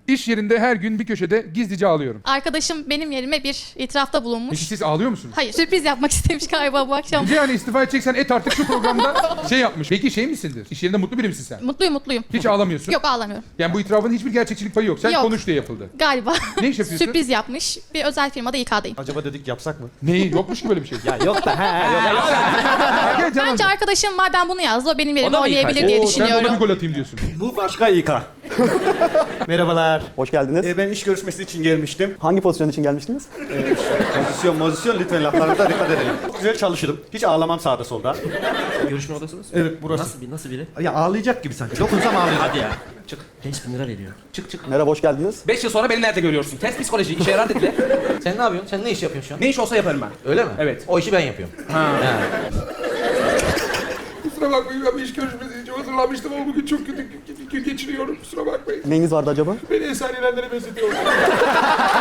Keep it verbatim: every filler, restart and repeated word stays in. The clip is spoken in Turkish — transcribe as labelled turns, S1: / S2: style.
S1: İş yerinde her gün bir köşede gizlice ağlıyorum.
S2: Arkadaşım benim yerime bir itirafta bulunmuş.
S1: Peki siz ağlıyor musunuz?
S2: Hayır, sürpriz yapmak istemiş galiba bu akşam.
S1: Yani istifa edeceksen et artık şu programda şey yapmış. Peki şey misindir? İş yerinde mutlu biri misin sen?
S2: Mutluyum mutluyum.
S1: Hiç ağlamıyorsun.
S2: Yok, ağlamıyorum.
S1: Yani bu itirafın hiçbir gerçekçilik payı yok. Sen
S2: Yok.
S1: konuş diye yapıldı.
S2: Galiba.
S1: Ne iş yapıyorsun?
S2: Sürpriz yapmış. Bir özel firmada İK'dayım.
S3: Acaba dedik yapsak mı?
S1: Neyi? Yokmuş ki böyle bir şey.
S3: Ya yok da he yok.
S1: Gel canım.
S2: Bence arkadaşım madem bunu yazdı, o benim
S4: O
S2: yerime
S4: da mı
S2: oynayabilir
S4: İK?
S2: diye
S1: Oo, sen de ona bir
S2: düşünüyorum.
S1: gol atayım diyorsun.
S3: Bu başka İK. Merhabalar.
S5: Hoş geldiniz.
S3: Ee, ben iş görüşmesi için gelmiştim.
S5: Hangi pozisyon için gelmiştiniz?
S3: Pozisyon, pozisyon lütfen laflarımıza dikkat edelim. Güzel çalışırım. Hiç ağlamam sağda solda.
S4: Görüşme odasınız.
S3: Evet burası.
S4: Nasıl bir nasıl biri?
S3: Ya ağlayacak gibi sanki. Dokunsam ağlayacak.
S4: Hadi ya. Çık. beş bin lira veriyor. Çık çık.
S5: Merhaba, hoş geldiniz.
S4: beş yıl sonra beni nerede görüyorsun? Test psikoloji işe yarar dediler. Sen ne yapıyorsun? Sen ne iş yapıyorsun şu an?
S6: Ne iş olsa yaparım ben.
S4: Öyle mi?
S6: Evet.
S4: O işi ben yapıyorum. Ha.
S1: Kusura bakmayın, ben bir iş görüşmesi için hazırlanmıştım ama bugün çok kötü gün geçiriyorum. Kusura bakmayın.
S5: Neyiniz vardı acaba?
S1: Beni Esenler'lere benzetiyorlar.